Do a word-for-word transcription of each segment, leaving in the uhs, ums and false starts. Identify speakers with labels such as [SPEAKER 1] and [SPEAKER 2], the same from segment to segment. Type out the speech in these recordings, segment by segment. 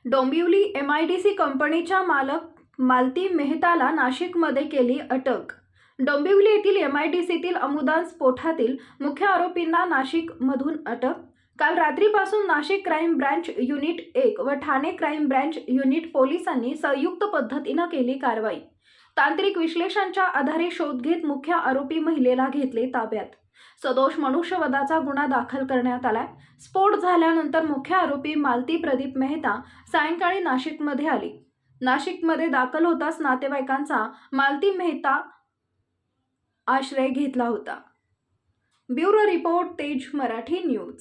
[SPEAKER 1] Dombivli MIDC कंपनीच्या मालक मालती मेहताला नाशिकमध्ये केली अटक। डोंबिवली येथील एमआयडीसीतील अमुदान स्फोटातील मुख्य आरोपींना नाशिकमधून अटक। काल रात्रीपासून नाशिक क्राईम ब्रांच युनिट एक व ठाणे क्राईम ब्रांच युनिट पोलिसांनी संयुक्त पद्धतीने केली कारवाई। तांत्रिक विश्लेषणाच्या आधारे शोध घेत मुख्य आरोपी महिलेला घेतले ताब्यात। सदोष मनुष्यवधाचा गुन्हा दाखल करण्यात आलाय। स्फोट झाल्यानंतर मुख्य आरोपी मालती प्रदीप मेहता सायंकाळी नाशिकमध्ये आली। नाशिकमध्ये दाखल होताच नातेवाईकांचा मालती मेहता आश्रय घेतला होता। ब्युरो रिपोर्ट, तेज मराठी न्यूज।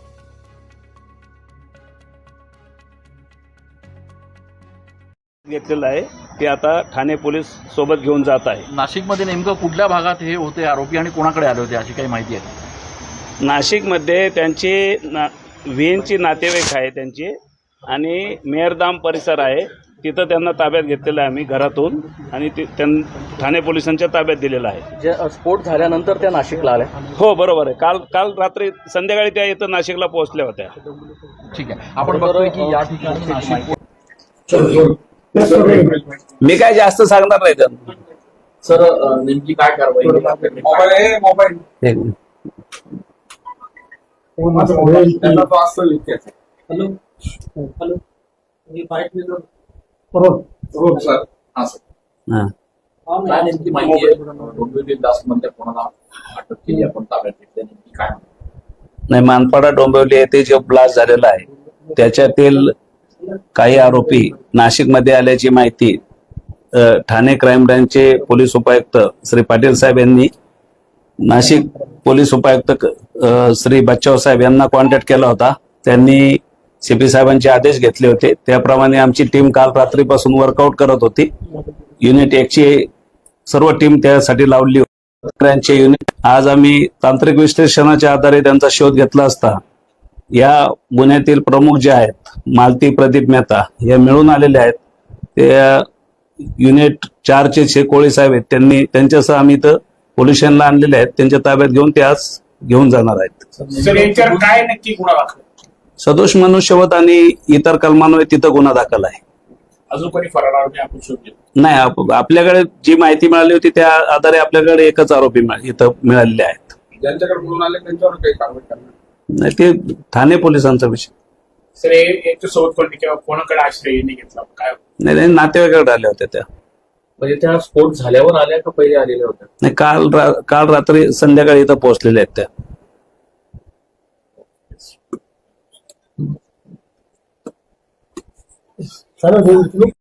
[SPEAKER 2] घेतलेलं आहे ते आता ठाणे पोलीस सोबत घेऊन जात आहे।
[SPEAKER 3] नाशिकमध्ये नेमकं कुठल्या भागात हे होते आरोपी आणि कोणाकडे आले होते अशी काही माहिती आहे?
[SPEAKER 2] नाशिकमध्ये त्यांचे ना व्हीएनची नातेवाईक आहे त्यांचे आणि मेहरदाम परिसर आहे, तिथं त्यांना ताब्यात घेतलेलं आहे आम्ही घरातून आणि ते त्यां ठाणे पोलिसांच्या ताब्यात दिलेलं आहे।
[SPEAKER 3] जे स्फोट झाल्यानंतर त्या नाशिकला आल्या?
[SPEAKER 2] हो बरोबर आहे। काल काल रात्री संध्याकाळी त्या इथं नाशिकला पोहोचल्या होत्या।
[SPEAKER 3] ठीक आहे, आपण बघतोय की या ठिकाणी नाशिक
[SPEAKER 2] मी काय जास्त सांगणार नाही तर
[SPEAKER 3] सर नेमकी काय कारवाई
[SPEAKER 4] मोबाईल मोबाईल त्यांना तो असतो हॅलो हॅलो मी फाईट हो हो सर हां सर
[SPEAKER 3] काय नेमकी माहिती आहे? डोंबिवली दासमध्ये कोणाला अटक केली, आपण ताब्यात घेतली, नेमकी काय?
[SPEAKER 5] नाही, मानपाडा डोंबिवली येथे जो ब्लास्ट झालेला आहे त्याच्यातील काही आरोपी नाशिकमध्ये आल्याची माहिती ठाणे क्राईम ब्रांचचे पोलीस उपायुक्त श्री पाटील साहेब यांनी नाशिक पोलीस उपायुक्त श्री बच्चाव साहेब यांना कॉन्टॅक्ट केला होता। त्यांनी सीपी साहेबांचे आदेश घेतले होते, त्याप्रमाणे आमची टीम काल रात्रीपासून वर्कआउट करत होती। युनिट एकची सर्व टीम त्यासाठी लावली होती। युनिट आज आम्ही तांत्रिक विश्लेषणाच्या आधारे त्यांचा शोध घेतला असता या गुन्ह्यातील प्रमुख जे आहेत मालती प्रदीप मेहता हे मिळून आलेले आहेत। ते युनिट चारचे जे कोळी साहेब आहेत त्यांनी त्यांच्यासह आम्ही इथं पोलीस स्टेशनला आणलेले आहेत। त्यांच्या ताब्यात घेऊन ते आज घेऊन जाणार आहेत।
[SPEAKER 4] सर याच्यावर काय नक्की गुन्हा दाखल?
[SPEAKER 5] सदोष मनुष्यवध आणि इतर कलमांवर तिथं गुन्हा दाखल आहे।
[SPEAKER 4] अजून कोणी फरार आरोपी आपण शोधले
[SPEAKER 5] नाही, आप, आपल्याकडे जी माहिती मिळाली होती त्या आधारे आपल्याकडे एकच आरोपी इथं मिळालेले आहेत।
[SPEAKER 4] ज्यांच्याकडे बोलून आले त्यांच्यावर काही कारवाई करणार
[SPEAKER 5] नाही, ते ठाणे पोलिसांचा विषय।
[SPEAKER 4] सर याच्या सोबत कोणी किंवा कोणाकडे आश्रय घेतला काय?
[SPEAKER 5] नाही नाही, नातेवाईकाकडे आल्या होत्या त्या।
[SPEAKER 3] म्हणजे त्या स्फोट झाल्यावर आल्या का पहिले आलेल्या होत्या?
[SPEAKER 5] नाही, काल रा, काल रात्री संध्याकाळी इथं पोहोचलेल्या आहेत त्या।
[SPEAKER 6] चालेल।